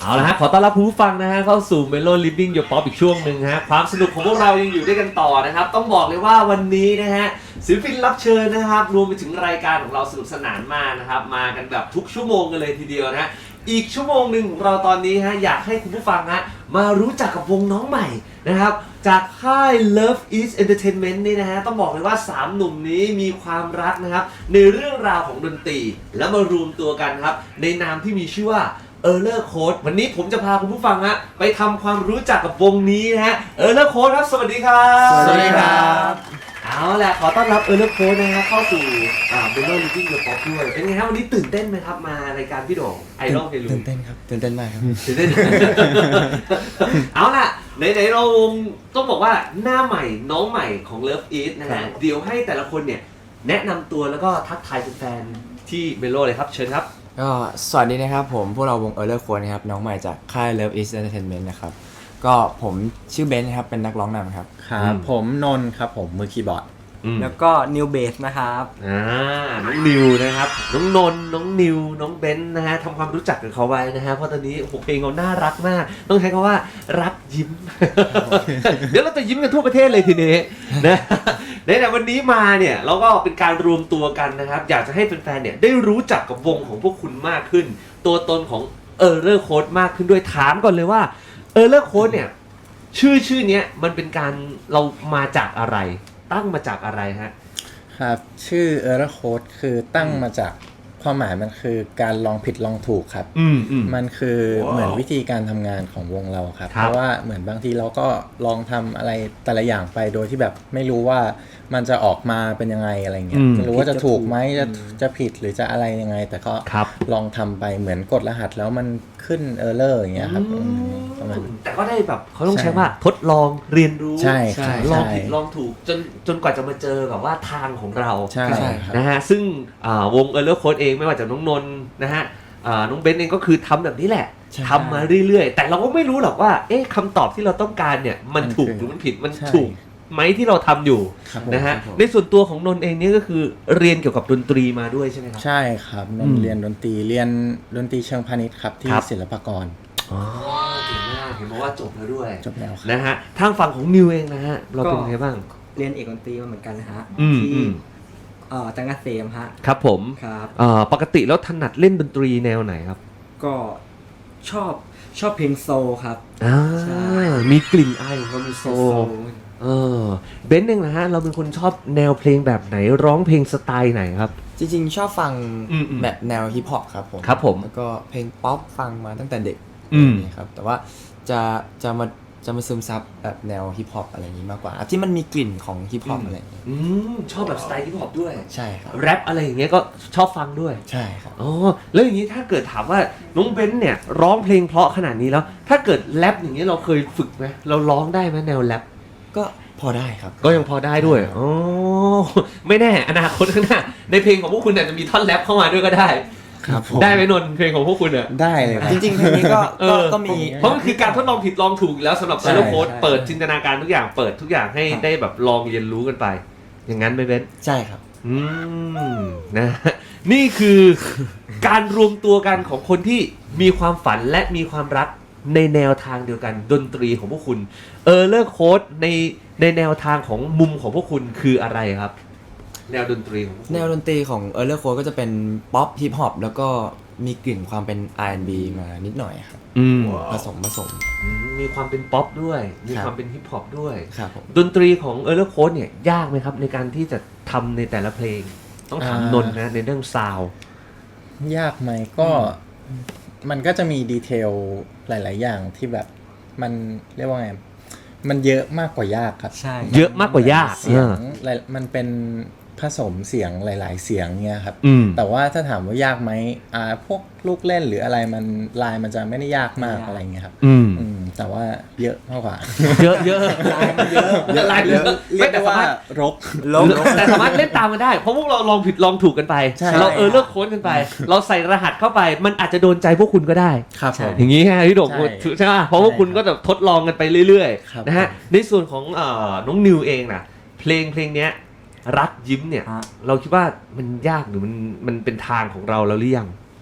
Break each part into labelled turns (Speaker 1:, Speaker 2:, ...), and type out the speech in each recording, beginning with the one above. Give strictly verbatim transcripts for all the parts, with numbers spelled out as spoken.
Speaker 1: เอาละฮะขอต้อนรับผู้ฟังนะฮะเข้าสู่ Melo Living Your Pop อีกช่วงหนึ่งฮะความสนุกของพวกเรายังอยู่ด้วยกันต่อนะครับต้องบอกเลยว่าวันนี้นะฮะศิลปินรับเชิญนะครับรวมไปถึงรายการของเราสนุกสนานมากนะครับมากันแบบทุกชั่วโมงกันเลยทีเดียวนะอีกชั่วโมงหนึ่งของเราตอนนี้ฮะอยากให้คุณผู้ฟังฮะมารู้จักกับวงน้องใหม่นะครับจากค่าย Love Is Entertainment นี่นะฮะต้องบอกเลยว่าสามหนุ่มนี้มีความรักนะครับในเรื่องราวของดนตรีแล้วมารวมตัวกันครับในนามที่มีชื่อว่าError Code วันนี้ผมจะพาคุณผู้ฟังฮะไปทำความรู้จักกับวงนี้นะฮะ Error Code ครับสวัสดีครับ
Speaker 2: สวัสดีครับ
Speaker 1: เอาแหละขอต้อนรับ Error Code นะฮะเข้าสู่อ่า Melo Living Your Pop ด้วยเป็นไงครับวันนี้ตื่นเต้นไหมครับมารายการพี่โด่งไอดอลเพลู
Speaker 2: ตื่นเต้นครับตื่นเต้นมากครับ
Speaker 1: ตื่นเต้น เอาล่ะไหนๆเราต้องบอกว่าหน้าใหม่น้องใหม่ของ Love Is นะฮะเดี๋ยวให้แต่ละคนเนี่ยแนะนำตัวแล้วก็ทักทายแฟนๆที่ Melo เลยครับเชิญครับ
Speaker 2: ก็สวัสดีนะครับผมพวกเราวง Error Code นะครับน้องใหม่จากค่าย Love Is Entertainment นะครับก็ผมชื่อเบนซ์ครับเป็นนักร้องนำครับ
Speaker 3: ครับผมนนท์ครับผมมือคีย์บอร์ด
Speaker 4: แล้วก็นิวเบสนะครับ
Speaker 1: อ่าน้องนิวนะครับน้องนนท์น้องนิวน้องเบนซ์นะฮะทำความรู้จักกับเขาไว้นะฮะเพราะตอนนี้โอ้โหเพลงเขาน่ารักมากต้องใช้คำว่ารักยิ้ม เดี๋ยวเราจะยิ้มกันทั่วประเทศเลยทีนี้นะในแต่วันนี้มาเนี่ยเราก็เป็นการรวมตัวกันนะครับอยากจะให้แฟนๆเนี่ยได้รู้จักกับวงของพวกคุณมากขึ้นตัวตนของ Error Code มากขึ้นด้วยถามก่อนเลยว่า Error Code เนี่ยชื่อชื่อเนี้ยมันเป็นการเรามาจากอะไรตั้งมาจากอะไรฮะ
Speaker 3: ครับชื่อ Error Code คือตั้งมาจากความหมายมันคือการลองผิดลองถูกครับ
Speaker 1: อืมอืม
Speaker 3: มันคือ wow. เหมือนวิธีการทำงานของวงเราครับเพราะว่าเหมือนบางทีเราก็ลองทำอะไรแต่ละอย่างไปโดยที่แบบไม่รู้ว่ามันจะออกมาเป็นยังไงอะไรเงี้ยไม่รู้ว่าจะถูกไหมจะจะผิดหรือจะอะไรยังไงแต่ก็ลองทำไปเหมือนกดรหัสแล้วมันขึ้น Error อย่างเงี้ยครับประมาณ
Speaker 1: แต่ก็ได้แบบเขาต้องใช้ว่าทดลองเรียนรู้
Speaker 3: ใช่
Speaker 1: ลองผิดลองถูกจนจนกว่าจะมาเจอแบบว่าทางของเรา
Speaker 3: ใช่
Speaker 1: นะฮะซึ่งวง Error Code เองไม่ว่าจะน้องนนท์นะฮะน้องเบนซ์เองก็คือทำแบบนี้แหละทำมาเรื่อยๆแต่เราก็ไม่รู้หรอกว่าเอ๊ะคำตอบที่เราต้องการเนี่ยมันถูกหรือมันผิดมันถูกไหมที่เราทำอยู่นะฮะในส่วนตัวของนนท์เองนี่ก็คือเรียนเกี่ยวกับดนตรีมาด้วยใช่ไหมครับ
Speaker 3: ใช่ครับนนท์เรียนดนตรีเรียนดนตรีเชิงพาณิชย์ครับที่ศิลปากร
Speaker 1: อ๋อเก่งมากเห็นบอกว่าจบแล้วด้วย
Speaker 3: จบแล้ว
Speaker 1: นะฮะทางฝั่งของนิวเองนะฮะเราเป็นไงบ้าง
Speaker 4: เรียนเอกดนตรีมาเหมือนกันนะฮะ
Speaker 1: ที่
Speaker 4: เอ่อจังหวัดเซมฮะ
Speaker 1: ครับผม
Speaker 4: ครับ
Speaker 1: เอ่อปกติแล้วถนัดเล่นดนตรีแนวไหนครับ
Speaker 4: ก็ชอบชอบเพลงโซลครับ
Speaker 1: อ่ามีกลิ่นอายของความเป็นโซลเออเบนซ์เองนะฮะเราเป็นคนชอบแนวเพลงแบบไหนร้องเพลงสไตล์ไหนครับ
Speaker 2: จริงๆชอบฟังแบบแนวฮิปฮอปครับผม
Speaker 1: ครับผม
Speaker 2: แล้วก็เพลงป๊อปฟังมาตั้งแต่เด็กนี่ครับแต่ว่าจะจะมาจะมาซึมซับแบบแนวฮิปฮอปอะไรอย่างนี้มากกว่าที่มันมีกลิ่นของฮิปฮอปอะไรอย่างนี้
Speaker 1: อืมชอบแบบสไตล์ฮิปฮอปด้วย
Speaker 2: ใช่ครับ
Speaker 1: แรปอะไรอย่างเงี้ยก็ชอบฟังด้วย
Speaker 2: ใช่ครับ
Speaker 1: อ๋อแล้วอย่างนี้ถ้าเกิดถามว่าน้องเบนซ์เนี่ยร้องเพลงเพราะขนาดนี้แล้วถ้าเกิดแรปอย่างเงี้ยเราเคยฝึกไหมเราร้องได้ไหมแนวแรป
Speaker 2: ก็พอได้ครับ
Speaker 1: ก็ยังพอได้ด้วยอ๋อไม่แน่อนาคตข้างหน้าในเพลงของพวกคุณอาจจะมีท่อนแรปเข้ามาด้วยก็ได้
Speaker 3: ครับ
Speaker 1: ได้ไหมนนท์เพลงของพวกคุณอ่ะ
Speaker 3: ได้เลย
Speaker 2: จริงๆเพลงนี้ก็ก็มี
Speaker 1: เพราะมันคือการทดลองผิดลองถูกแล้วสำหรับ Error Code เปิดจินตนาการทุกอย่างเปิดทุกอย่างให้ได้แบบลองเรียนรู้กันไปอย่างนั้นไหมเบน
Speaker 2: ใช่ครับ
Speaker 1: อืมนะนี่คือการรวมตัวกันของคนที่มีความฝันและมีความรักในแนวทางเดียวกันดนตรีของพวกคุณ Error Code ในในแนวทางของมุมของพวกคุณคืออะไรครับแนวดนตรีของ
Speaker 2: แนวดนตรีของ Error Code ก็จะเป็นป๊อปฮิปฮอปแล้วก็มีกลิ่นความเป็น อาร์ แอนด์ บี มานิดหน่อยครับผสมผสม
Speaker 1: มีความเป็นป๊อปด้วยมีความเป็นฮิปฮอปด้วย
Speaker 2: ครับ
Speaker 1: ดนตรีของ Error Code เนี่ยยากไหมครับในการที่จะทำในแต่ละเพลงต้องถามนนท์นะในเรื่องซาวด์
Speaker 3: ยากไหมก็มันก็จะมีดีเทลหลายๆอย่างที่แบบมันเรียกว่าไงมันเยอะมากกว่ายากครับ
Speaker 4: ใช่
Speaker 1: เยอะมากกว่ายาก
Speaker 3: เสียงมันเป็นผสมเสียงหลายๆเสียงเนี่ยครับแต่ว่าถ้าถามว่ายากไหมอ่าพวกลูกเล่นหรืออะไรมันลายมันจะไม่ได้ยากมากอะไรเงี้ยครับ
Speaker 1: อืม
Speaker 3: แต่ว่าเยอะมากกว่า
Speaker 1: เยอะเยอะ
Speaker 4: ลายมันเยอะ
Speaker 1: ลายเยอะ
Speaker 3: เรียกได้ว่ารก
Speaker 1: รกแต่สามารถเล่นตามกันได้เพราะพวกเราลองผิดลองถูกกันไปเราเออเลิกโค้ดกันไปเราใส่รหัสเข้าไปมันอาจจะโดนใจพวกคุณก็ได้อย่างนี้ฮะพี่โด่งใช่ไหมเพราะพวกคุณก็จะทดลองกันไปเรื่อยๆนะฮะในส่วนของน้องนิวเองนะเพลงเพลงเนี้ยรักยิ้มเนี่ยเราคิดว่ามันยากหรือมันมันเป็นทางของเราแล้วหรือยัง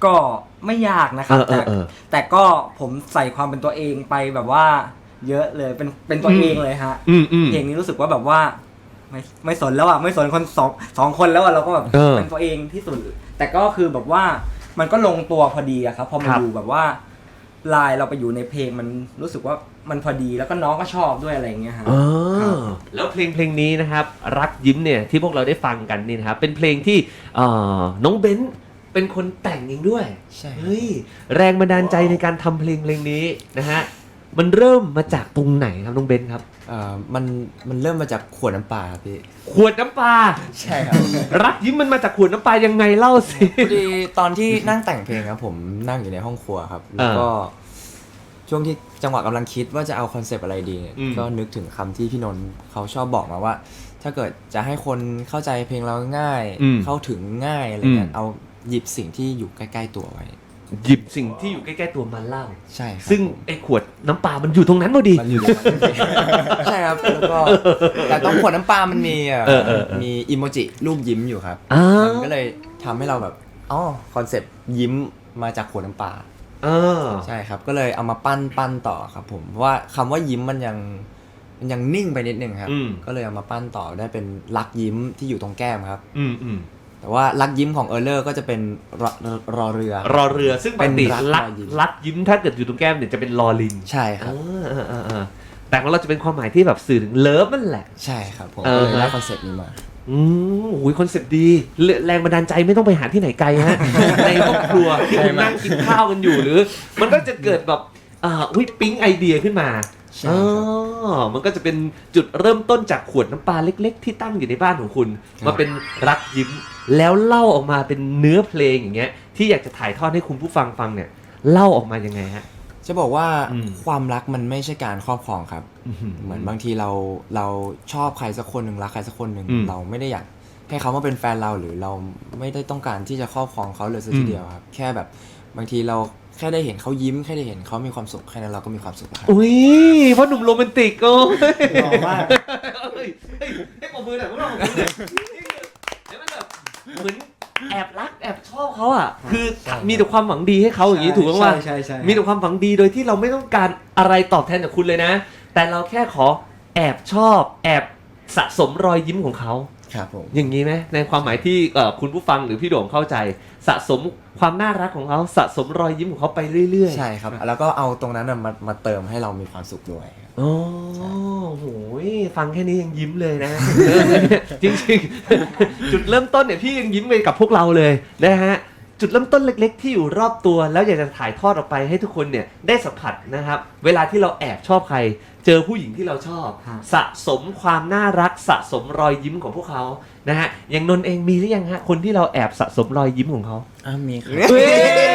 Speaker 4: ก็ไม่ยากนะครับ
Speaker 1: เออเอ
Speaker 4: แต่
Speaker 1: อเออ
Speaker 4: แต่ก็ผมใส่ความเป็นตัวเองไปแบบว่า เยอะเลยเป็นเป็นตัวเองเลยฮะ
Speaker 1: อืมอืม
Speaker 4: เพลงนี้รู้สึกว่าแบบว่า ไม่ไม่สนแล้วอ่ะไม่สนคนสองสองคนแล้วอ่ะเราก็แบบ
Speaker 1: เออ
Speaker 4: เป็นตัวเองที่สุด แต่ก็คือแบบว่ามันก็ลงตัวพอดีอะครับพอมา
Speaker 1: ครับ
Speaker 4: ดูแบบว่าลายเราไปอยู่ในเพลงมันรู้สึกว่ามันพอดีแล้วก็น้องก็ชอบด้วยอะไรอย่างเงี้ยฮะ
Speaker 1: อ๋อ
Speaker 4: ครับ
Speaker 1: แล้วเพลงเพลงนี้นะครับรักยิ้มเนี่ยที่พวกเราได้ฟังกันนี่นะครับเป็นเพลงที่เอ่อน้องเบนซ์เป็นคนแต่งเองด้วย
Speaker 2: ใช่ครับ
Speaker 1: เฮ้ยแรงบันดาลใจในการทำเพลงเพลงนี้นะฮะมันเริ่มมาจากตรงไหนครับน้องเบนซ์ครับ
Speaker 2: เอ่อมันมันเริ่มมาจากขวดน้ำปลาครับพี่
Speaker 1: ขวดน้ำปลา
Speaker 2: ใช่ครับ
Speaker 1: รักยิ้มมันมาจากขวดน้ำปลายังไงเล่าสิ
Speaker 2: พอดีตอนที่นั่งแต่งเพลงครับผมนั่งอยู่ในห้องครัวครับแล้วก็ช่วงที่จังหวะกำลังคิดว่าจะเอาคอนเซปต์อะไรดีเนี่ย
Speaker 1: อืม
Speaker 2: ก็นึกถึงคำที่พี่นนท์เขาชอบบอกมาว่า ถ้าเกิดจะให้คนเข้าใจเพลงเราง่าย
Speaker 1: อืม
Speaker 2: เข้าถึงง่ายอะไรเงี้
Speaker 1: อื
Speaker 2: ย
Speaker 1: ม
Speaker 2: เอาหยิบสิ่งที่อยู่ใกล้ๆตัวไว้
Speaker 1: หยิบสิ่งที่อยู่ใกล้ๆตัวมาเล่า
Speaker 2: ใช่ครับ
Speaker 1: ซึ่งไอ้ขวดน้ำปลามันอยู่ตรงนั้นพอดี
Speaker 2: มันอยู่ในนั้นจริงๆใช่ครับแล้วก็แต่ต้องขวดน้ำปลามันมีเอ่อ
Speaker 1: เออเออเออ
Speaker 2: มีอิโมจิรูปยิ้มอยู่ครับ
Speaker 1: อ่า
Speaker 2: มันก็เลยทำให้เราแบบอ๋อคอนเซปต์ยิ้มมาจากขวดน้ำปลา
Speaker 1: เออ
Speaker 2: ใช่ครับก็เลยเอามาปั้นปั้นต่อครับผมเพราะว่าคำว่ายิ้มมันยังมันยังนิ่งไปนิดนึงครับ
Speaker 1: อืม
Speaker 2: ก็เลยเอามาปั้นต่อได้เป็นรักยิ้มที่อยู่ตรงแก้มครับ
Speaker 1: อืมอืม
Speaker 2: แต่ว่ารักยิ้มของเออร์เลอร์ก็จะเป็นรอรอเรือ
Speaker 1: รอเรือซึ่งปกติ
Speaker 2: เป็นรัก
Speaker 1: รัก
Speaker 2: รอยยิ้ม
Speaker 1: รักยิ้มถ้าเกิดอยู่ตรงแก้มเนี่ยจะเป็นลอลิง
Speaker 2: ใช่ครับ
Speaker 1: เออเออเออเออแต่ของเราจะเป็นความหมายที่แบบสื่อถึงเลิฟนั่นแหละ
Speaker 2: ใช่ครับผม
Speaker 1: เอ
Speaker 2: ก็
Speaker 1: อ
Speaker 2: เลยได้คอนเซ็ปต์นี้มา
Speaker 1: อืมโอ้ยคอนเซ็ปต์ดีแรแรงบันดาลใจไม่ต้องไปหาที่ไหนไกลฮะ ในครอบครัวที่คุณนั่งกินข้าวกันอยู่หรือ มันก็จะเกิดแบบอ่าอุ้ยปิ๊งไอเดียขึ้นมา
Speaker 2: ใช่
Speaker 1: อ๋
Speaker 2: ครั
Speaker 1: อบ มันก็จะเป็นจุดเริ่มต้นจากขวดน้ำปลาเล็ก ๆ ที่ตั้งอยู่ในบ้านของคุณ
Speaker 2: ครับ
Speaker 1: มาเป็นรักยิ้มแล้วเล่าออกมาเป็นเนื้อเพลงอย่างเงี้ยที่อยากจะถ่ายทอดให้คุณผู้ฟังฟังเนี่ยเล่าออกมายังไงฮะ
Speaker 2: จะบอกว่า
Speaker 1: อืม
Speaker 2: ความรักมันไม่ใช่การครอบครองครับ เหมือนบางทีเราเราชอบใครสักคนหนึ่งรักใครสักคนหนึ่ง
Speaker 1: อืม
Speaker 2: เราไม่ได้อยากให้เขามาเป็นแฟนเราหรือเราไม่ได้ต้องการที่จะครอบครองเขาเลยสักทีเดียวครับ แค่แบบบางทีเราแค่ได้เห็นเขายิ้มแค่ได้เห็นเขามีความสุขแค่นั้นเราก็มีความสุขแล้วครับ
Speaker 1: อุ้ยเพราะหนุ่มโรแมนติกโอ้ย
Speaker 4: หล่อมาก
Speaker 1: เฮ้ยเฮ้ยให้ปมมือหน่อยพวกเราปรบมือหน่อยเดี๋ยวมันแบบเหมือนแอบรักแอบชอบเขาอ่ะ คือมีแต่ความหวังดีให้เขาอย่างนี้ถูกไหมว่า
Speaker 4: ใช่ใช่ใช่
Speaker 1: มีแต่ความหวังดีโดยที่เราไม่ต้องการอะไรตอบแทนจากคุณเลยนะ แต่เราแค่ขอแอบชอบ แอบสะสมรอยยิ้มของเขา
Speaker 2: ครับผม
Speaker 1: อย่างนี้ไหมในความหมายที่เอ่อคุณผู้ฟังหรือพี่โด่งเข้าใจ สะสมความน่ารักของเขาสะสมรอยยิ้มของเขาไปเรื่อยๆ
Speaker 2: ใช่ครับ แล้วก็เอาตรงนั้นน่ะมามาเติมให้เรามีความสุขด้วยครับ
Speaker 1: โอ้โหฟังแค่นี้ยังยิ้มเลยนะ จริงๆ จุดเริ่มต้นเนี่ยพี่ยังยิ้มไปกับพวกเราเลยนะฮะจุดเริ่มต้นเล็ก ๆ ที่อยู่รอบตัวแล้วอยากจะถ่ายทอดออกไปให้ทุกคนเนี่ยได้สัมผัสนะครับ เวลาที่เราแอบชอบใคร เจอผู้หญิงที่เราชอบ
Speaker 4: ฮะ
Speaker 1: สะสมความน่ารักสะสมรอยยิ้มของพวกเขานะฮะอย่างนนท์เองมีหรือยังฮะคนที่เราแอบสะสมรอยยิ้มของเขา
Speaker 2: อ่ามีครับ
Speaker 1: เฮ้ย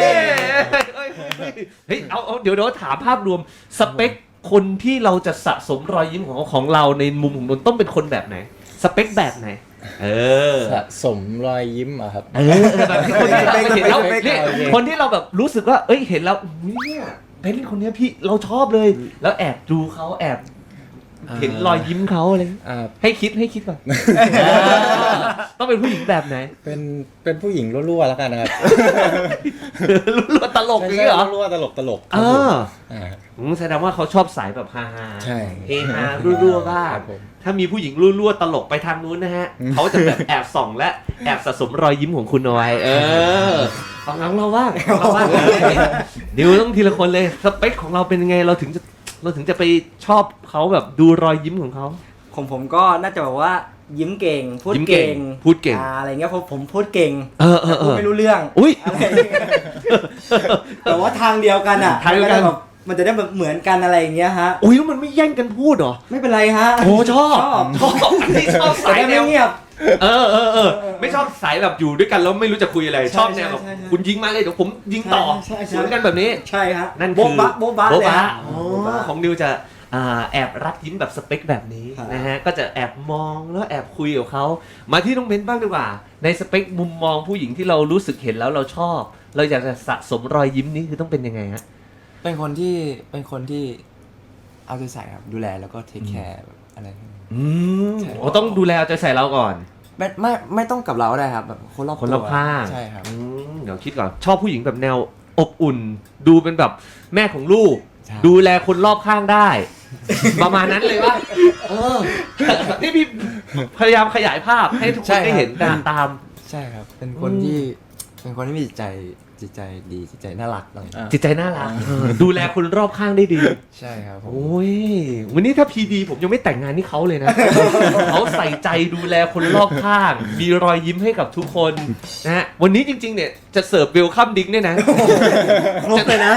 Speaker 1: เฮ้ยเอาเอาเดี๋ยวเดี๋ยวถามภาพรวมสเปคคนที่เราจะสะสมรอยยิ้มของของเราในมุมของนนท์ต้องเป็นคนแบบไหน สเปคแบบไหน เออ
Speaker 3: สะสมรอยยิ้มอะครับ
Speaker 1: เออแบบที่คนที่เราเห็นแล้ว
Speaker 3: สเปค
Speaker 1: เนี่ย
Speaker 3: โอเค
Speaker 1: คนที่เราแบบรู้สึกว่าเอ้ยเห็นแล้วอุ๊ยเนี่ยเป็นคนเนี้ยพี่เราชอบเลย แล้วแอบดูเขาแอบเห็นรอยยิ้มเขาอะไรอย่างเงี้ย
Speaker 3: อ่า
Speaker 1: ให้คิดให้คิดก่อนต้องเป็นผู้หญิงแบบไหน
Speaker 3: เป็นเป็นผู้หญิงรั่วๆแล้วกันนะครับ
Speaker 1: รู้ตลกอย่างนี้เหรอ
Speaker 3: รั่วๆตลกตลกๆค
Speaker 1: เอ
Speaker 3: รับผม
Speaker 1: อ
Speaker 3: อ่า
Speaker 1: อืมแสดงว่าเขาชอบสายแบบฮาฮา
Speaker 3: ใช่
Speaker 1: เฮฮารั่วๆบ้าง
Speaker 3: ครับผม
Speaker 1: ถ้ามีผู้หญิงรั่วๆตลกไปทางนู้นนะฮะ เขาจะแบบแอบส่องและแอบสะสมรอยยิ้มของคุณเอาไว้เออฟังเราบ้างฟังเราบ้างเดี๋ยวต้องทีละคนเลยสเปคของเราเป็นยังไงเราถึงจะเราถึงจะไปชอบเขาแบบดูรอยยิ้มของเขา
Speaker 4: ของผมก็น่าจะแบบว่ายิ้มเก่ง พูด
Speaker 1: ยิ้มเก่
Speaker 4: เก่
Speaker 1: ง
Speaker 4: ง
Speaker 1: พูดเก่ง
Speaker 4: อ่าอะไรเงี้ยผมผมพูดเก่ง
Speaker 1: เออเออเอ
Speaker 4: พูด
Speaker 1: อ
Speaker 4: ไม่รู้เรื่อง
Speaker 1: อุ้ย
Speaker 4: อะไรอย่างเงี้ยแต่ว่าทางเดียวกันอ่ะ
Speaker 1: ทางเดียวกัน
Speaker 4: มันจะได้แบบมันจะได้แบบเหมือนกันอะไรอย่างเงี้ยฮะ
Speaker 1: อุ้ยแล้วมันไม่แย่งกันพูดเหรอ
Speaker 4: ไม่เป็นไรฮะ
Speaker 1: โอ้ชอบ
Speaker 4: ชอบ
Speaker 1: ชอบอันนี้ชอบ
Speaker 4: แต่
Speaker 1: สาย
Speaker 4: ได้
Speaker 1: แน
Speaker 4: ไม่
Speaker 1: ว
Speaker 4: เงียบ
Speaker 1: เออเออเออไม่ชอบสายแบบอยู่ด้วยกันแล้วไม่รู้จะคุยอะไร
Speaker 4: ใช่
Speaker 1: ชอบแนวแบบ
Speaker 4: ใช่ใช่
Speaker 1: คุณยิงมาเลยเดี๋ยวผมยิงต่อ
Speaker 4: ใช่ใช่ใช่
Speaker 1: สวนกันแบบนี้
Speaker 4: ใช่ฮะ
Speaker 1: นั่นคือ
Speaker 4: โบ๊ะบะโบ๊ะบะ
Speaker 1: โบ๊ะ
Speaker 4: เลย
Speaker 1: บะ
Speaker 4: ฮะ
Speaker 1: อ๋อ
Speaker 4: โบ๊ะบะ
Speaker 1: ของนิวจะอ่าแอบรักยิ้มแบบสเปคแบบนี้
Speaker 4: ครับ
Speaker 1: นะฮะก็จะแอบมองแล้วแอบคุยกับเขามาที่น้องเบนบ้างดีกว่า ในสเปคมุมมองผู้หญิงที่เรารู้สึกเห็นแล้วเราชอบ เราอยากจะสะสมรอยยิ้มนี้คือต้องเป็นยังไงฮะ
Speaker 2: เป็นคนที่เป็นคนที่เอาใจใส่ครับดูแลแล้วก็เทคแคร์อะไร
Speaker 1: อืม
Speaker 2: ใช่
Speaker 1: โอ้ต้องดูแลเอาใจใส่เราก่อน
Speaker 2: ไม่ไม่ไม่ต้องกับเราได้ครับแบบคนรอบ
Speaker 1: คนรอบ
Speaker 2: ตัว
Speaker 1: ข้าง
Speaker 2: ใช่ครับ
Speaker 1: อืมเดี๋ยวคิดก่อนชอบผู้หญิงแบบแนวอบอุ่น ดูเป็นแบบแม่ของลูก
Speaker 2: ใช่
Speaker 1: ดูแลคนรอบข้างได้ ประมาณนั้นเลยว่าเออนี่พี่พยายามขยายภาพให้ทุกคนได้เห็นตาม
Speaker 2: ใช่ครับ เป็นคน
Speaker 1: อืม
Speaker 2: ที่เป็นคนที่มีจิตใจจิตใจดีจิตใจน่ารักอะไรอย่างเงี้ย
Speaker 3: อ่ะ
Speaker 1: จิตใจน่ารักเออดูแลคนรอบข้างได้ดี
Speaker 2: ใช่ครับผม
Speaker 1: โอ้ยวันนี้ถ้าพีดีผมยังไม่แต่งงานนี่เขาเลยนะ เขาใส่ใจดูแลคนรอบข้าง มีรอยยิ้มให้กับทุกคนนะฮะวันนี้จริงๆเนี่ยจะเสิร์ฟเวลคัมดิ้งเนี่ยนะ
Speaker 4: ครบเลยนะ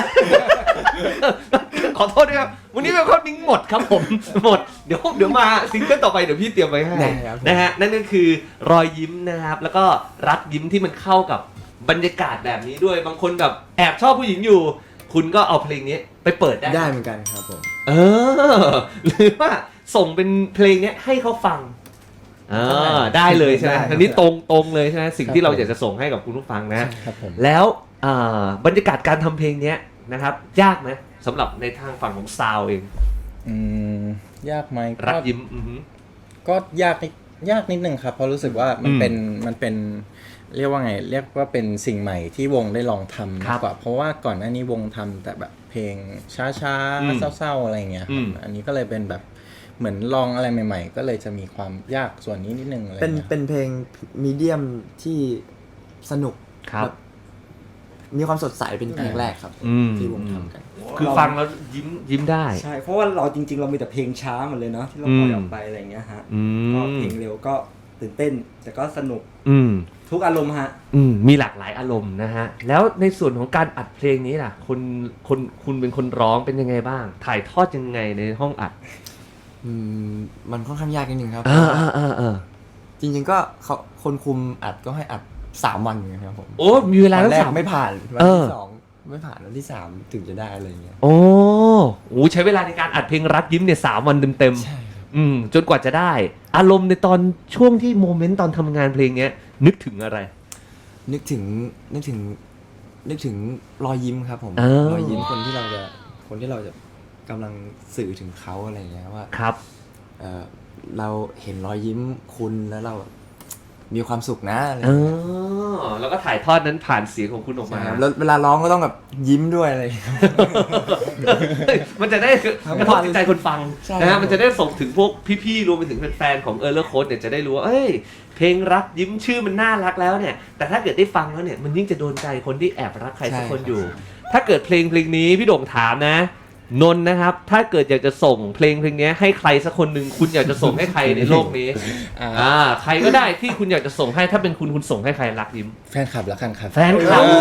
Speaker 1: ขอโทษด้วยครับวันนี้เวลคัมดิ้งหมดครับผม หมดเดี๋ยวเดี๋ยวมาซิงเกิลต่อไปเดี๋ยวพี่เตรียมไว้ให้
Speaker 2: ได้ครับผม
Speaker 1: นะฮะนั่นก็คือรอยยิ้มนะครับแล้วก็รักยิ้มที่มันเข้ากับบรรยากาศแบบนี้ด้วยบางคนแบบแอบชอบผู้หญิงอยู่ คุณก็เอาเพลงนี้ไปเปิดได้
Speaker 2: ได้เหมือนกันครับผม
Speaker 1: เออหรือว่าส่งเป็นเพลงเนี้ยให้เขาฟังอ่าได้เลยใช่ไหม
Speaker 3: ได้ครับ
Speaker 1: อันนี้ตรงตรงเลยใช่ไหมสิ่ง
Speaker 3: ครับ
Speaker 1: ที่เรา
Speaker 3: ผม
Speaker 1: อยากจะส่งให้กับคุณผู้ฟังนะ
Speaker 3: ครับผม
Speaker 1: แล้วอ่าบรรยากาศการทำเพลงเนี้ยนะครับ ยากไหมสำหรับในทางฝั่งของซาวเอง
Speaker 3: อืมยากไหม
Speaker 1: รัก
Speaker 3: ก็
Speaker 1: ยิ้มอือหือ
Speaker 3: ก็ยากนิดยากนิดนึงครับเพราะรู้สึกว่ามัน
Speaker 1: อืม
Speaker 3: เป็นมันเป็นเรียกว่าไง เรียกว่าเป็นสิ่งใหม่ที่วงได้ลองทำ
Speaker 1: ครั
Speaker 3: มา
Speaker 1: บ
Speaker 3: กกว่าเพราะว่าก่อนหน้านี้วงทำแต่แบบเพลงช้า
Speaker 1: อืม
Speaker 3: ๆเศร้าๆอะไรอย่างเงี้ยค
Speaker 1: อื
Speaker 3: รับ
Speaker 1: ม
Speaker 3: อันนี้ก็เลยเป็นแบบเหมือนลองอะไรใหม่ๆ ก็เลยจะมีความยากส่วนนี้นิดนึงอะไร
Speaker 2: เป็น
Speaker 3: เงี้ย
Speaker 2: เป็นเพลงมีเดียมที่สนุก
Speaker 1: ครับ
Speaker 2: แบบมีความสดใสเป็นเพลงแรกครับ
Speaker 1: อืม
Speaker 2: ที่วงทำกัน
Speaker 1: คือฟังแล้วยิ้มยิ้มได้
Speaker 4: ใช่เพราะว่าเราจริง ๆ เรามีแต่เพลงช้าหมดเลยเนาะที่เราปล่อยออกไปอะไรอย่างเงี้ยฮะ
Speaker 1: อื
Speaker 4: ก็
Speaker 1: ม
Speaker 4: เพลงเร็วก็ตื่นเต้น แต่ก็สนุก
Speaker 1: อืม
Speaker 4: ทุกอารมณ์ฮะ
Speaker 1: อืมมีหลากหลายอารมณ์นะฮะ แล้วในส่วนของการอัดเพลงนี้ล่ะคนคนคุณเป็นคนร้องเป็นยังไงบ้าง ถ่ายทอดยังไงในห้องอัด
Speaker 2: อืมมันค่อนข้างยากนิดนึงครับ
Speaker 1: อ่าอ่าอ่าอ่า
Speaker 2: จริงๆก็เขาคนคุมอัดก็ให้อัดสามวันอย่างเงี้ยครับผม
Speaker 1: โอ้มีเวลา
Speaker 2: วัน
Speaker 1: ตั้ง
Speaker 2: แรก
Speaker 1: สาม
Speaker 2: ไม่ผ่านวัน
Speaker 1: เออ
Speaker 2: ที่สองไม่ผ่านวันที่สามถึงจะได้อะไรอย่างเงี้ย
Speaker 1: โอ้โหใช้เวลาในการอัดเพลงรักยิ้มเนี่ยสามวันเต็ม
Speaker 2: ใช่ครับ
Speaker 1: ๆอืมจนกว่าจะได้ อารมณ์ในตอนช่วงที่โมเมนต์ตอนทำงานเพลงเนี้ย นึกถึงอะไร
Speaker 2: นึกถึงนึกถึงนึกถึงรอยยิ้มครับผม
Speaker 1: เออ
Speaker 2: รอยยิ้มคนที่เราจะคนที่เราจะกำลังสื่อถึงเขาอะไรอย่างเงี้ยว่า
Speaker 1: ครับ
Speaker 2: เอ่อเราเห็นรอยยิ้มคุณแล้วเรามีความสุขนะอะไรอ
Speaker 1: เอย่าง
Speaker 2: เงี้ย
Speaker 1: อแล้วก็ถ่ายทอดนั้นผ่านเสียงของคุณออกมา
Speaker 2: ใช่ครับแล้วเวลาร้องก็ต้องแบบยิ้มด้วยอะไรอย่างเงี้ย
Speaker 1: เฮ้ยมันจะได้กระทบจิตใจคนฟัง
Speaker 2: ใช่
Speaker 1: นะ
Speaker 2: ครั
Speaker 1: ฮะ
Speaker 2: บ
Speaker 1: มันจะได้ส่งถึงพวกพี่ๆรวมไปถึงแฟนๆของเออร์เลอร์โค้ดเนี่ยจะได้รู้ว่าเอ้ยเพลงรักยิ้มชื่อมันน่ารักแล้วเนี่ย แต่ถ้าเกิดได้ฟังแล้วเนี่ยมันยิ่งจะโดนใจคนที่แอบรักใครสักคนอยู่ ถ้าเกิดเพลงเพลงนี้พี่โด่งถามนะ นนท์นะครับ ถ้าเกิดอยากจะส่งเพลงเพลงนี้ให้ใครสักคนหนึ่งคุณอยากจะส่งให้ใครในโลกนี้
Speaker 3: อ่า
Speaker 1: อ่าใครก็ได้ที่คุณอยากจะส่งให้ถ้าเป็นคุณคุณส่งให้ใครรักยิ้ม
Speaker 3: แฟนคลับแล้วกันครับ
Speaker 1: แฟนคลับ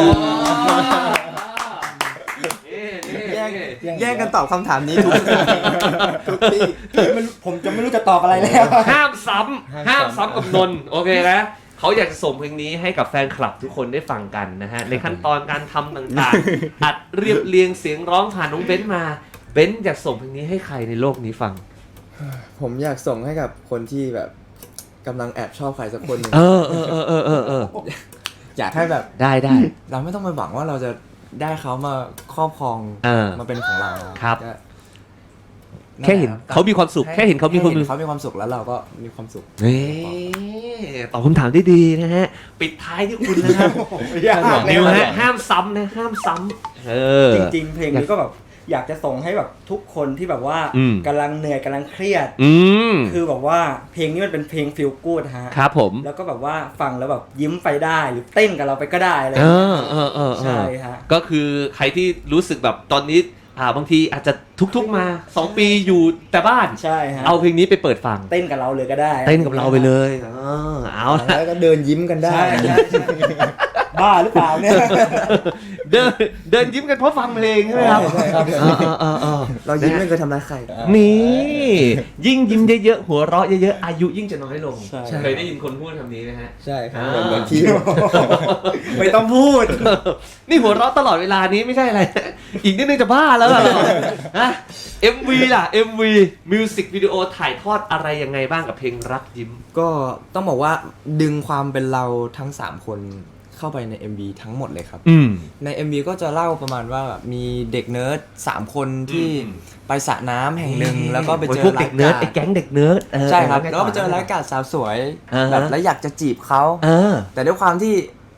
Speaker 2: แย่งแย่งกันตอบคำถามนี้ทุกทุกที่
Speaker 4: ไม่รู้ผมจะไม่รู้จะตอบอะไรแล้ว
Speaker 1: ห้ามซ้ำ
Speaker 3: ห้า
Speaker 1: ห้าม ม
Speaker 3: ซ้ำ
Speaker 1: ซ้ำกับนนท์โอเคนะเขาอยากจะส่งเพลงนี้ให้กับแฟนคลับทุกคนได้ฟังกันนะฮะในขั้นตอนการทำต่างๆ อัดเรียบเรียงเสียงร้องผ่านน้องเบนซ์มาเบนซ์อยากส่งเพลงนี้ให้ใครในโลกนี้ฟัง
Speaker 2: ผมอยากส่งให้กับคนที่แบบกำลังแอบชอบใครสักคนหนึ่ง
Speaker 1: เออเออเออเออเออเออ
Speaker 2: อยากให้แบบ
Speaker 1: ได้ได้
Speaker 2: เราไม่ต้องไปหวังว่าเราจะได้เขามาครอบครอง
Speaker 1: เออ
Speaker 2: มาเป็นของเรา
Speaker 1: ครับ
Speaker 2: ก็
Speaker 1: แค่เห็นเขามีความสุขแค่เห็นเขามีความ
Speaker 2: แเขามีความสุขแล้วเราก็มีความสุข
Speaker 1: นี่ตอบคำถามได้ดีนะฮะ ปิดท้ายที่คุณนะครับ
Speaker 4: ยาก
Speaker 1: นิว
Speaker 4: เลย
Speaker 1: ฮะห้ามซ้ำนะห้ามซ้ำเออ
Speaker 4: จริง ๆ เพลงนี้ก็แบบอยากจะส่งให้แบบทุกคนที่แบบว่า
Speaker 1: อืม
Speaker 4: กำลังเหนื่อยกำลังเครียด
Speaker 1: อืม
Speaker 4: คือแบบว่าเพลงนี้มันเป็นเพลงฟีลกู๊ดฮะ
Speaker 1: ครับผม
Speaker 4: แล้วก็แบบว่าฟังแล้วแบบยิ้มไปได้หรือเต้นกับเราไปก็ได้อะไรอ
Speaker 1: เอย่าง
Speaker 4: เงี้ย
Speaker 1: อเออเออเออ
Speaker 4: ใช่ฮะ
Speaker 1: ก็คือใครที่รู้สึกแบบตอนนี้อ่าบางทีอาจจะทุกๆมาสองปีอยู่แต่บ้าน
Speaker 4: ใช่ฮะ
Speaker 1: เอาเพลงนี้ไปเปิดฟัง
Speaker 4: เต้นกับเราเลยก็ได้
Speaker 1: เต้นกับเราไปเลยเออเอาละ
Speaker 2: แล้วก็เดินยิ้มกันได้
Speaker 4: ใช่ใช่ใช่บ้าหรือเปล่าเนี่ย
Speaker 1: เดินเดินยิ้มกันเพราะฟังเพลงใช่ไหมครับ
Speaker 2: ใช่ครับ
Speaker 1: เออเออเออเออ
Speaker 2: เรายิ้มไม่เคยทำร้ายใคร
Speaker 1: นี่ยิ่งยิ้มเยอะๆหัวเราะเยอะๆอายุยิ่งจะน้อยลง
Speaker 4: ใช่
Speaker 1: เคยได้ยินคนพูดคำนี้ไหมฮะ
Speaker 2: ใช่ครับ
Speaker 1: อ่า
Speaker 2: เหมือนเหมือนที่
Speaker 4: ไม่ต้องพูด
Speaker 1: นี่หัวเราะตลอดเวลานี้ไม่ใช่อะไร อีกนิดนึงจะบ้าแล้วล่ะเราฮะ เอ็ม วี ล่ะ เอ็ม วี มิวสิกวิดีโอถ่ายทอดอะไรยังไงบ้างกับเพลงรักยิ้ม
Speaker 2: ก็ต้องบอกว่าดึงความเป็นเราทั้งสามคนเข้าไปใน เอ็ม วี ทั้งหมดเลยครับ
Speaker 1: อืม
Speaker 2: ใน เอ็ม วี ก็จะเล่าประมาณว่าแบบมีเด็กเนิร์ดสามคนที่
Speaker 1: อืม
Speaker 2: ไปสระน้ำแห่งหนึ่งแล้วก็ไปเจอ
Speaker 1: พวกเด็กเนิร์ด
Speaker 2: ไล
Speaker 1: ไอ้
Speaker 2: ฟ์
Speaker 1: แก๊งเด็กเนิร์ดเออ
Speaker 2: ใช่ครับ
Speaker 1: ไง
Speaker 2: แล้วก็ไปเจอ
Speaker 1: ต่
Speaker 2: ไลฟ์การ์ดสาวสวย
Speaker 1: อ่าฮะ
Speaker 2: แบบแล้วอยากจะจีบเขา
Speaker 1: เออ
Speaker 2: แต่ด้วยความที่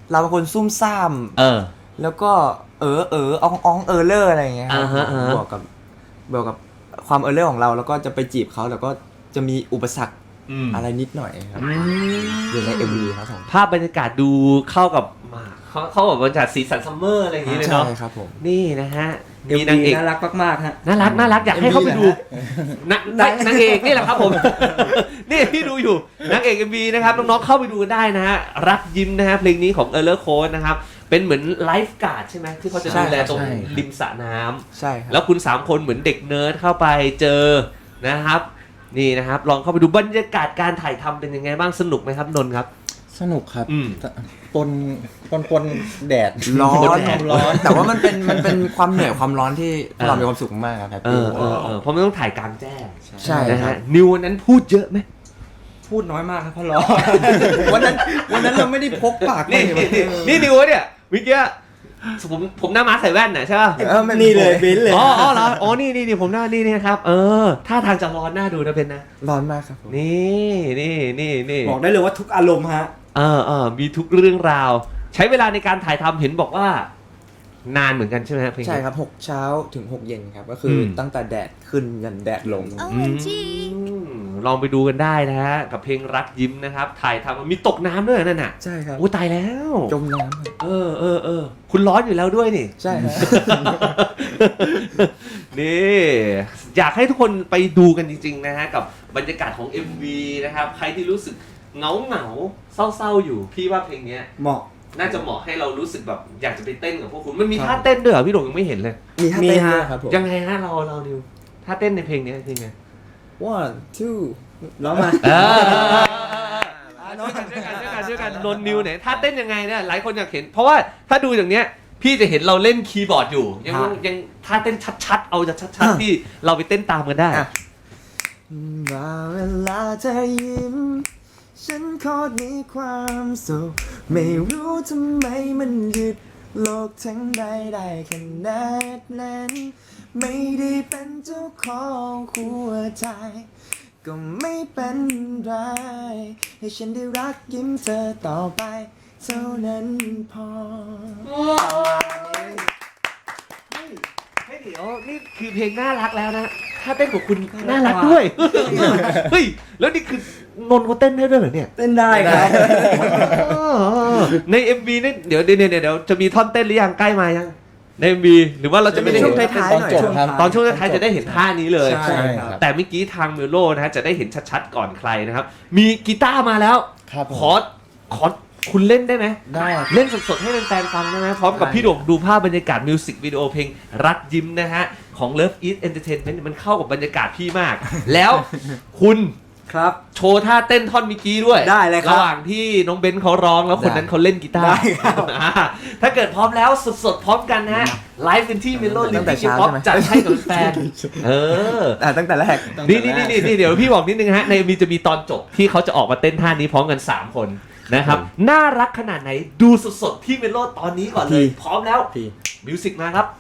Speaker 2: เราเป็นคนซุ่มซ่าม
Speaker 1: เออ
Speaker 2: แล้วก็เออเอออองอองเออเลอร์อะไรอย่างเงี้ยครับ
Speaker 1: อ่าฮะอ่าฮะ
Speaker 2: บวกกับบวกกับความเออเลอร์ของเราแล้วก็จะไปจีบเขาแล้วก็จะมีอุปสรรค
Speaker 1: อืม
Speaker 2: อะไรนิดหน่อยครับ
Speaker 1: อืม
Speaker 2: อยู่ใน เอ็ม วี ครับผม
Speaker 1: ภาพบรรยากาศดูเข้ากับมาเขาเข้ากับบรรยากาศสีสันซัมเมอร์อะไรอย่างงี้เลย
Speaker 2: ใช่
Speaker 1: เนาะ
Speaker 2: ครับผม
Speaker 1: นี่นะฮะ
Speaker 4: เอ็ม
Speaker 1: มีนาง
Speaker 4: วี
Speaker 1: เอก
Speaker 4: น่ารักมากๆฮะ
Speaker 1: น่ารักน่ารักอยากให้เข้าไปดูนางนางนางเอกนี่แหละครับผม นี่พี่ดูอยู่นางเอก เอ็ม วี นะครับน้องๆเข้าไปดูกันได้นะฮะรักยิ้มนะฮะเพลงนี้ของเออร์เลอร์โค้ดนะครับเป็นเหมือนไลฟ์การ์ดใช่ไหมที่เขาจะดูแลตรง
Speaker 3: ใช่
Speaker 1: ริมสระน้ำ
Speaker 2: ใช่ครับ
Speaker 1: แล้วคุณสามคนเหมือนเด็กเนิร์ดเข้าไปเจอนะครับ นี่นะครับ ลองเข้าไปดูบรรยากาศการถ่ายทำเป็นยังไงบ้างสนุกไหมครับนนท์ครับ
Speaker 3: สนุกครับ
Speaker 1: อืม
Speaker 3: แต่ปนปนปนแดด
Speaker 2: ร้อน
Speaker 1: แดด
Speaker 2: ร้อน แต่ว่ามันเป็นมันเป็นความเหนื่อยความร้อนที่พวกเรา
Speaker 1: เออ
Speaker 2: มีความสุขมากครับแฮป
Speaker 1: เอ
Speaker 2: ปี้
Speaker 1: อเออเออเพราะมันต้องถ่ายกลางแจ้ง
Speaker 2: ใช่
Speaker 1: นะ
Speaker 2: ครั
Speaker 1: ฮะ
Speaker 2: บ
Speaker 1: นิววันนั้นพูดเยอะไหม
Speaker 4: พูดน้อยมากครับเพราะร้อน
Speaker 2: วันนั้นวันนั้นเราไม่ได้พกปาก
Speaker 1: นี่
Speaker 2: ไป
Speaker 1: นี่นี่นิววะเนี่ยเมื่อกี้ผมผมหน้าม้าใส่แว่นน่ะใช่ป่ะ
Speaker 2: เออไม่
Speaker 4: นี่เลยเบนซ์เลย
Speaker 1: อ๋ออ๋อเหรออ๋อนี่นี่นี่ผมหน้านี่นี่นะครับ เออท่าทางจะร้อนหน้าดูนะเป็นนะ
Speaker 2: ร้อนมากครับผม
Speaker 1: นี่นี่นี่นี่
Speaker 4: บอกได้เลยว่าทุกอารมณ์ฮะ
Speaker 1: เออเออมีทุกเรื่องราว ใช้เวลาในการถ่ายทำเห็นบอกว่า นานเหมือนกันใช่ไหมฮะเพลงนี้
Speaker 2: ใช่ครับหกเช้าถึงหกเย็นครับ ก็คืออ
Speaker 1: ม
Speaker 2: ตั้งแต่แดดขึ้นยันแดดลง
Speaker 1: อืมลองไปดูกันได้นะฮะกับเพลงรักยิ้มนะครับ ถ่ายทำมีตกน้ำด้วยนั่นน่ะ
Speaker 2: ใช่ครับ
Speaker 1: โอ้ตายแล้ว
Speaker 2: จมน้ำครับ
Speaker 1: เออเออเออคุณร้อนอยู่แล้วด้วยนี่
Speaker 2: ใช่ครับ
Speaker 1: นี่อยากให้ทุกคนไปดูกันจริงๆนะฮะกับบรรยากาศของ เอ็ม วี นะครับใครที่รู้สึกเหงาเหงาๆเศร้าๆอยู่พี่ว่าเพลงเนี้ย
Speaker 4: เหมาะ
Speaker 1: น่าจะเหมาะให้เรารู้สึกแบบอยากจะไปเต้นกับพวกคุณมันมีท่าเต้นด้วยเหรอพี่หลงยังไม่เห็นเลย
Speaker 2: มีท่า
Speaker 4: มี
Speaker 2: เต้น
Speaker 4: ฮะ
Speaker 2: ด้วยครับผม
Speaker 1: ยังไงฮะเราเราดิวท่าเต้นในเพลงนี้จริงไง
Speaker 2: one two
Speaker 4: ร้องมา
Speaker 1: เออช่วยกันช่วยกันช่วยกันช่วยกันนนนิวเนี่ยท่าเต้นยังไงเนี่ยหลายคนอยากเห็น เพราะว่าถ้าดูอย่างเนี้ยพี่จะเห็นเราเล่นคีย์บอร์ดอยู่ ยัง
Speaker 4: ฮะ
Speaker 1: ยังท่าเต้นชัดๆ เอาจะชัดๆที่เราไปเต้นตามกันได้
Speaker 2: อ่ะ ว่าเวลาเธอยิ้ม ฉันโคตรมีความสุข ไม่รู้ทำไมมันหยุดโลกทั้งใบได้ขนาดนั้น ไม่ได้เป็นเจ้าของหัวใจ ก็ไม่เป็นไร ให้ฉันได้รักยิ้มเธอต่อไป เท่านั้นพอ
Speaker 1: เฮ้ยเดี๋ยวนี่คือเพลงน่ารักแล้วนะท่าเต้นของคุณน่ารักด้วย เฮ้ย แล้วนี่คือนนท์เขาเต้นได้ด้วยเหรอเนี่ย
Speaker 4: เต้นได้ครับ
Speaker 1: ใน เอ็ม วี เนี่ยเดี๋ยวเดี๋ยวเดี๋ยวเดี๋ยวจะมีท่อนเต้นหรือยังใกล้มายังใน เอ็ม วี หรือว่าเราจะไม่ได้
Speaker 2: ช่
Speaker 1: เห็
Speaker 2: วง
Speaker 1: น
Speaker 2: ท้ายๆหน่อย
Speaker 3: ตอนจบครับ
Speaker 1: ตอนช่วงท้ายๆจะได้เห็นท่านี้เลย
Speaker 4: ใช่ครับ
Speaker 1: แต่เมื่อกี้ทางเมโลนะฮะจะได้เห็นชัดๆก่อนใครนะครับ มีกีตาร์มาแล้ว
Speaker 3: ครับผม
Speaker 1: ขอขอคุณเล่นได้ไหม
Speaker 3: ได้
Speaker 1: เล่นสดๆให้แฟนๆฟังได้ไหมพร้อมกับพี่โด่งดูภาพบรรยากาศมิวสิกวิดีโอเพลงรักยิ้มนะฮะของ Love Eat Entertainment มันเข้ากับบรรยากาศพี่มาก แล้วคุณ
Speaker 4: ครับ
Speaker 1: โชว์ท่าเต้นท่อนเมื่อกี้ด้วย
Speaker 4: ได้เลยครับ
Speaker 1: ระหว่างที่น้องเบนซ์เขาร้องแล้วคนนั้นเขาเล่นกีตาร์
Speaker 4: ได้ครับ
Speaker 1: อ่าถ้าเกิดพร้อมแล้วสดๆพร้อมกันนะฮะไลฟ์กันที่เมโลลิ
Speaker 2: ตั้
Speaker 1: ม
Speaker 2: งแต่
Speaker 1: ปิก
Speaker 2: เช้า
Speaker 1: ป๊อป
Speaker 2: ใช่ไหม
Speaker 1: จัดให้กับแฟนเออ
Speaker 2: อ่ะตั้งแต่แรก
Speaker 1: นี่นี่นี่นี่เดี๋ยวพี่บอกนิดนึงฮะในมีจะมีตอนจบที่เขาจะออกมาเต้นท่านี้พร้อมกันสามคนนะครับน่ารักขนาดไหนดูสดๆที่เมโลตอนนี้ก่อนเลย พร้อมแล้ว
Speaker 2: พี่
Speaker 1: มิวสิกมาครับ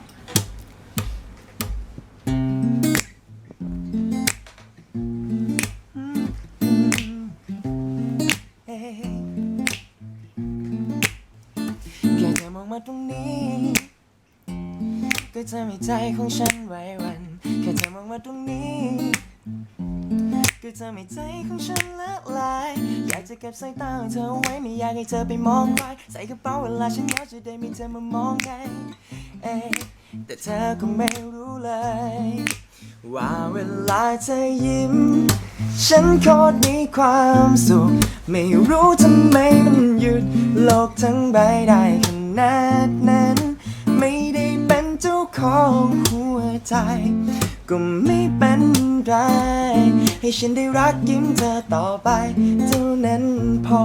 Speaker 2: แค่เธอมองมาตรงนี้ ก็จะมีใจของฉันไว้วัน แค่เธอมองมาตรงนี้ ก็จะมีใจของฉันละลาย อยากจะเก็บสายตาของเธอไว้ไม่อยากให้เธอไปมองใครใส่กระเป๋าเวลาฉันเหงาจะได้มีเธอมามองไงเอ๊ะแต่เธอก็ไม่รู้เลย ว่าเวลาเธอยิ้ม ฉันโคตรมีความสุข ไม่รู้ทำไมมันหยุดโลกทั้งใบได้ขนาดนั้น ไม่ได้เป็นเจ้าของหัวใจ ก็ไม่เป็นไร ให้ฉันได้รักยิ้มเธอต่อไป เท่านั้นพอ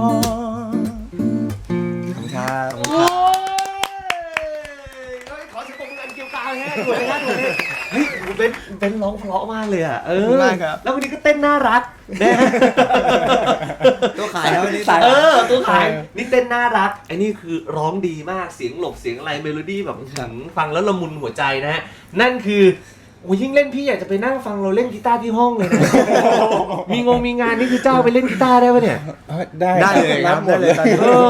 Speaker 2: ขอบคุณครับ
Speaker 1: โอ้ยเฮ้ยขอเสียงปรบมืออันเกี่ยวกาวเลยฮะด่วนเลยฮะด่วนเลยเฮ้ยเบนเบนร้องเพราะมากเลยอ่ะเอ
Speaker 2: ขอบ
Speaker 1: อ
Speaker 2: คุณมากครับ
Speaker 1: แล้ววันนี้ก็เต้นน่ารักนะฮะ
Speaker 2: ตัวขายแล้ววันนี้
Speaker 1: เออตัวขายนี่เต้นน่ารักไอ้นี่คือร้องดีมากเสียงหลบเสียงอะไรเมโลดี้แบบหืมฟังแล้วละมุนหัวใจนะฮะนั่นคือโอ้ยยิ่งเล่นพี่อยากจะไปนั่งฟังเราเล่นกีตาร์ที่ห้องเลยนะมีงงมีงานนี่คือเจ้าไปเล่นกีตาร์ได้ปะเนี่ย
Speaker 3: ได้
Speaker 2: ได้เลยครับ
Speaker 3: หมดเลย
Speaker 2: ได้เลย
Speaker 1: เออ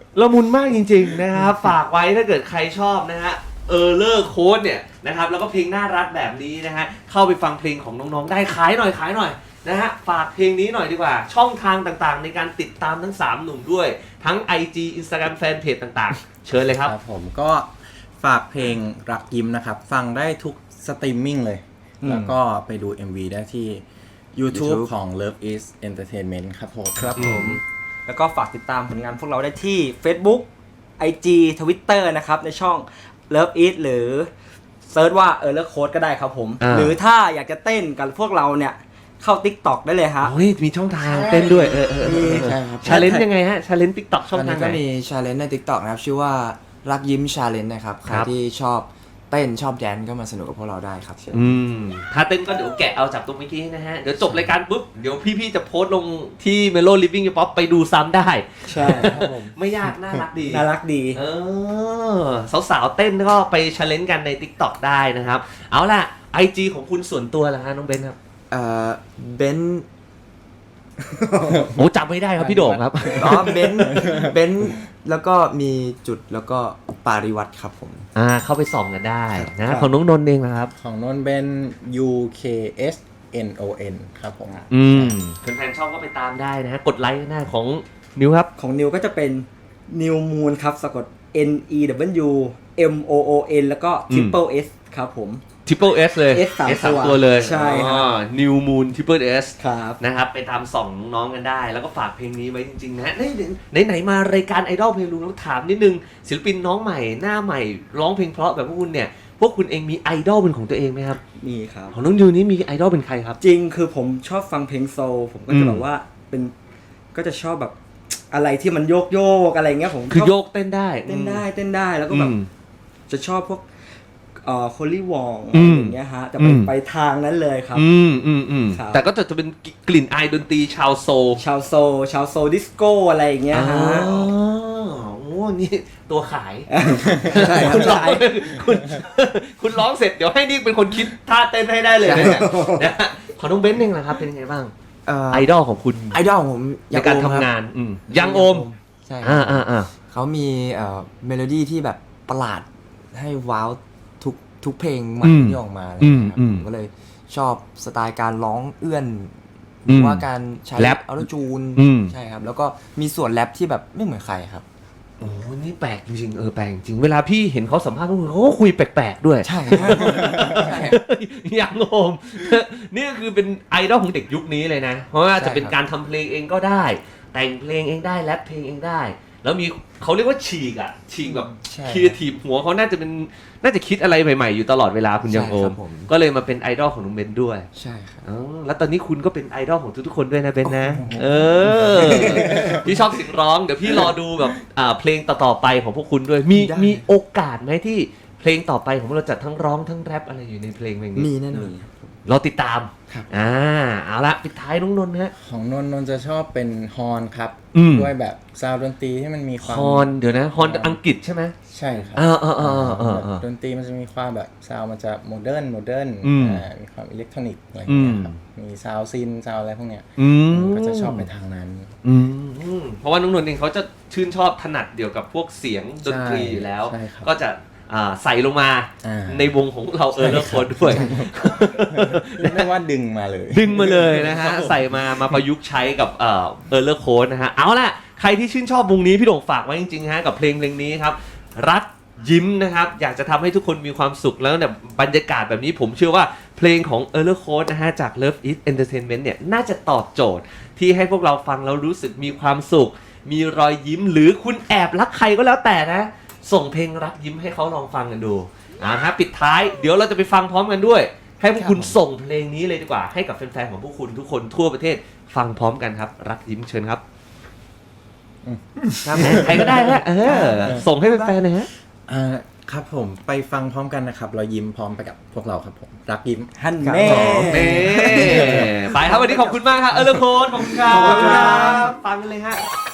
Speaker 1: ละมุนมากจริงๆนะครับฝากไว้ถ้าเกิดใครชอบนะฮะเออเลอร์โค้ดเนี่ยนะครับแล้วก็เพลงน่ารักแบบนี้นะฮะเข้าไปฟังเพลงของน้องๆได้ขายหน่อยขายหน่อยนะฮะฝากเพลงนี้หน่อยดีกว่าช่องทางต่างๆในการติดตามทั้งสามหนุ่มด้วยทั้ง ไอ จี Instagram Fanpage ต่างๆ เชิญเลยครับ
Speaker 3: ครับผมก็ฝากเพลงรักยิ้มนะครับ ฟังได้ทุกสตรีมมิ่งเลย แล้วก็ไปดู เอ็ม วี ได้ที่ YouTube ของ Love is Entertainment ครับผม
Speaker 4: ครับผม แล้วก็ฝากติดตามผลงานพวกเราได้ที่ Facebook ไอ จี Twitter นะครับในช่อง Love It หรือเซิร์ชว่าเออเลิกโค้ดก็ได้ครับผม
Speaker 1: อ่า
Speaker 4: หรือถ้าอยากจะเต้นกับพวกเราเนี่ยเข้า TikTok ได้เลยฮะ
Speaker 1: โอ้ยมีช่องทางเต้นด้วยเออเออ
Speaker 4: มี
Speaker 3: ใช่ครับ
Speaker 1: ชาเลนจ์ยังไงฮะชาเลนจ์ TikTok ช่อง
Speaker 5: ตอน
Speaker 1: ทา
Speaker 5: นี้
Speaker 1: งไห
Speaker 5: ก็
Speaker 1: น
Speaker 5: มีชาเลนจ์ใน TikTok นะครับ ชื่อว่ารักยิ้มชาเลนจ์นะครับ ใคร
Speaker 1: ครับ
Speaker 5: ที่ชอบเต้นชอบแดนซ์ก็มาสนุกกับพวกเราได้ครับ
Speaker 1: อืมถ้าเต้นก็เดี๋ยวแกะเอาจากตรงเมื่อกี้นะฮะ เดี๋ยวจบรายการปุ๊บ เดี๋ยวพี่ๆจะโพสต์ลงที่ Melo Living Your Pop ไปดูซ้ำได้
Speaker 4: ใช่ครับผม
Speaker 1: ไม่ยากน่ารักดี
Speaker 4: น่ารักดี
Speaker 1: เออสาวๆเต้นก็ไปชาเลนจ์กันใน TikTok ได้นะครับ เอาล่ะ ไอ จี ของคุณส่วนตัวล่ะฮะน้องเบนครับ
Speaker 5: เอ่อเบนซ์
Speaker 1: โอ้จำไม่ได้ครับพี่โด่งครับ
Speaker 5: อ๋อเบนซ์เบนซ์แล้วก็มีจุดแล้วก็ปาริวัตรครับผม
Speaker 1: อ่าเข้าไปส่องกันได้นะ
Speaker 4: ครับ
Speaker 1: ของน้องนนท์เองนะครับ
Speaker 3: ของนนท์เป็น ยู เค เอส เอ็น โอ เอ็น ครับผม
Speaker 1: อืมแฟนๆชอบก็ไปตามได้นะฮะ กดไลค์หน้าของนิวครับ
Speaker 4: ของนิวก็จะเป็น New Moon ครับสะกด N E W M O O N แล้วก็ Triple S ครับผม
Speaker 1: Triple S เลย
Speaker 4: S สาม
Speaker 1: สาม
Speaker 4: ตัว
Speaker 1: ตัวเลย
Speaker 4: ใช่ครับ
Speaker 1: อ๋อ New Moon Triple S
Speaker 4: ครับ
Speaker 1: นะครับไปตามส่องน้องๆกันได้ แล้วก็ฝากเพลงนี้ไว้จริงๆนะไหนไหนๆมารายการไอดอลเพลงลุงแล้วถามนิดนึงศิลปินน้องใหม่หน้าใหม่ร้องเพลงเพราะแบบพวกคุณเนี่ยพวกคุณเองมีไอดอลเป็นของตัวเองไหมครับ
Speaker 4: มีครับ
Speaker 1: ของน้องยูนี้มีไอดอลเป็นใครครับ
Speaker 4: จริงคือผมชอบฟังเพลงโซลผมก็
Speaker 1: อื
Speaker 4: จะ
Speaker 1: ม
Speaker 4: แบบว่าเป็นก็จะชอบแบบอะไรที่มันโยกโยกๆอะไรเงี้ยผม
Speaker 1: คือ
Speaker 4: ชบ
Speaker 1: โยกเต้นได้
Speaker 4: เต้นได้เต้นได้แล้วก็แบบ
Speaker 1: อืม
Speaker 4: จะชอบพวกเอ่อโคลี่วอง
Speaker 1: อื
Speaker 4: อะไร
Speaker 1: ม
Speaker 4: อย่างเงี้ยฮะจะไป
Speaker 1: อืม
Speaker 4: ไปทางนั้นเลยครับ
Speaker 1: อืมอืมอืม
Speaker 4: ครับ
Speaker 1: แต่ก็จะจะเป็นกลิ่นอายดนตรีชาวโซล
Speaker 4: ชาวโซลชาวโซลดิสโก้อะไรอย่างเงี้ย
Speaker 1: อ๋อ
Speaker 4: ฮะ
Speaker 1: โอ้นี่ตัวขาย
Speaker 4: ใช่ครับ
Speaker 1: คุณร้องคุณคุณร้องเสร็จเดี๋ยวให้นี่เป็นคนคิดท่าเต้นให้ได้เลยเนี่ยนะฮะของน้องเบนซ์เองนะครับเป็นยังไงบ้าง
Speaker 5: เอ่อ
Speaker 1: ไอดอลของคุณ
Speaker 5: ไอดอลของผม
Speaker 1: ในการทำงาน อืมยังโอม
Speaker 5: ใช่ค
Speaker 1: อ่า
Speaker 5: รับ
Speaker 1: อ่าอ่า
Speaker 5: เขามีเอ่อเมโลดี้ที่แบบประหลาดให้ว้าวทุกทุกเพลงใหม่ที่ออกมาอะไรอย่างเลยครับผมก็เลยชอบสไตล์การร้องเอื้อนหรือว่าการใช้
Speaker 1: แรป
Speaker 5: ออโตจูน
Speaker 1: อืม
Speaker 5: ใช่ครับแล้วก็มีส่วนแรปที่แบบไม่เหมือนใครครับ
Speaker 1: โอ้นี่แปลกจริงๆเออแปลกจริงเวลาพี่เห็นเขาสัมภาษณ์พวกคุณเขาก็คุยแปลกๆด้วย
Speaker 5: ใช่ใช่
Speaker 1: ยังโอม นี่ก็คือเป็นไอดอลของเด็กยุคนี้เลยนะ เพราะว่าจะเป็นการทำเพลงเองก็ได้ แต่งเพลงเองได้แรปเพลงเองได้ แล้วมีเขาเรียกว่าฉีกอ่ะฉีกแบบ
Speaker 5: ใช่
Speaker 1: ครีเอทีฟหัวเขาน่าจะเป็นน่าจะคิดอะไรใหม่ๆอยู่ตลอดเวลาคุณยังโอ
Speaker 5: ใช่ครั
Speaker 1: ม
Speaker 5: บผม
Speaker 1: ก็เลยมาเป็นไอดอลของน้องเบนด้วย
Speaker 5: ใช่ครับ
Speaker 1: อ๋อแล้วตอนนี้คุณก็เป็นไอดอลของทุกๆคนด้วยนะเบนนะ เออ พี่ชอบเสียงร้องเดี๋ยวพี่รอดูแบบอ่าเพลงต่อๆไปของพวกคุณด้วย มี
Speaker 5: ได้
Speaker 1: มีโอกาสไหมที่เพลงต่อไปของพวกเราจะทั้งร้องทั้งแรปอะไรอยู่ในเพลงเพลงนี้
Speaker 5: มีแน่นอน
Speaker 1: รอติดตาม
Speaker 5: ครับ
Speaker 1: อ่าเอาละปิดท้ายน้องนนท์ฮะ
Speaker 3: ของนนท์นนท์จะชอบเป็นฮอร์นครับ
Speaker 1: อืม
Speaker 3: ด้วยแบบซาวด์ดนตรีที่มันมีความ
Speaker 1: ฮอนเดี๋ยวนะฮอนอังกฤษใช่ไหม
Speaker 3: ใช่ครับ
Speaker 1: เออเออเออเออเออ
Speaker 3: ดนตรีมันจะมีความแบบซาวด์มันจะโมเดิร์นโมเดิร์น
Speaker 1: อืม
Speaker 3: อ่ามีความอิเล็กทรอนิกส์อะไรอย่างเงี้ยครับมีซาวด์ซินซาวด์อะไรพวกเนี้ย
Speaker 1: อืม
Speaker 3: ก็จะชอบไปทางนั้น
Speaker 1: อืมเพราะว่าน้องนนท์เองเขาจะชื่นชอบถนัดเดียวกับพวกเสียงดนตรีอยู่แล้ว
Speaker 3: ใช่ครับ
Speaker 1: ก็จะอ่าใส่ลงมา
Speaker 3: อ่า
Speaker 1: ในวงของเราเออแล้วคนด้วย
Speaker 3: เรียกได้ว่าดึงมาเลย
Speaker 1: ดึงมาเลยนะฮะ ใส่มามาประยุกต์ใช้กับเอ่อเออร์เลอร์โค้ดนะฮะ เอาล่ะ ใครที่ชื่นชอบวงนี้พี่โด่งฝากไว้จริงๆฮะกับเพลงเพลงนี้ครับ รักยิ้มนะครับ อยากจะทำให้ทุกคนมีความสุขแล้วเนี่ยบรรยากาศแบบนี้ผมเชื่อว่าเพลงของเออร์เลอร์โค้ดนะฮะ จาก Love is Entertainment เนี่ยน่าจะตอบโจทย์ที่ให้พวกเราฟังแล้วรู้สึกมีความสุข มีรอยยิ้มหรือคุณแอบรักใครก็แล้วแต่นะ ส่งเพลงรักยิ้มให้เขาลองฟังกันดูอ่าฮะปิดท้ายเดี๋ยวเราจะไปฟังพร้อมกันด้วย ให้พวกคุณส่งเพลงนี้เลยดีกว่าให้กับแฟนๆของพวกคุณทุกคนทั่วประเทศฟังพร้อมกันครับ รักยิ้มเชิญครับครับใครก็ได้ฮะเออส่งให้แฟนๆหนะฮะ
Speaker 3: อ่าครับผมไปฟังพร้อมกันนะครับ เรายิ้มพร้อมไปกับพวกเราครับผม รักยิ้ม
Speaker 4: ฮัน
Speaker 3: ครับ
Speaker 4: แน่
Speaker 3: ผม
Speaker 1: เน่ไปครับวันนี้ขอบคุณมากครับเออเลโคนขอบคุณครับ
Speaker 4: ขอบคุณครับ
Speaker 1: ฟังกันเลยฮะ